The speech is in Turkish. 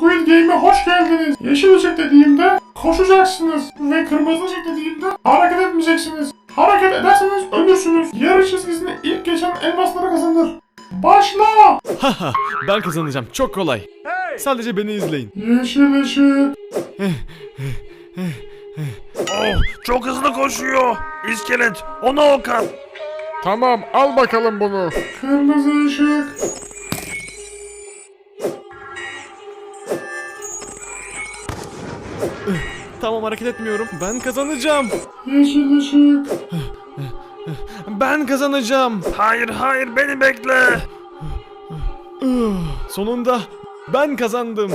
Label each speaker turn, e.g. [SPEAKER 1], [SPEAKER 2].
[SPEAKER 1] Squid Game'e hoş geldiniz. Yeşil ışık dediğimde koşacaksınız ve kırmızı ışık dediğimde hareket etmeyeceksiniz. Hareket ederseniz ölürsünüz. Yarış çizgisine ilk geçen elmasları kazanır. Başla!
[SPEAKER 2] Haha, ben kazanacağım. Çok kolay. Sadece beni izleyin.
[SPEAKER 1] Yeşil ışık.
[SPEAKER 3] Oh, çok hızlı koşuyor. İskelet, ona ok at.
[SPEAKER 4] Tamam, al bakalım bunu.
[SPEAKER 1] Kırmızı ışık.
[SPEAKER 2] Tamam, hareket etmiyorum. Ben kazanacağım.
[SPEAKER 1] Yeşil ışık.
[SPEAKER 2] Ben kazanacağım.
[SPEAKER 3] Hayır, hayır, beni bekle.
[SPEAKER 2] Sonunda ben kazandım.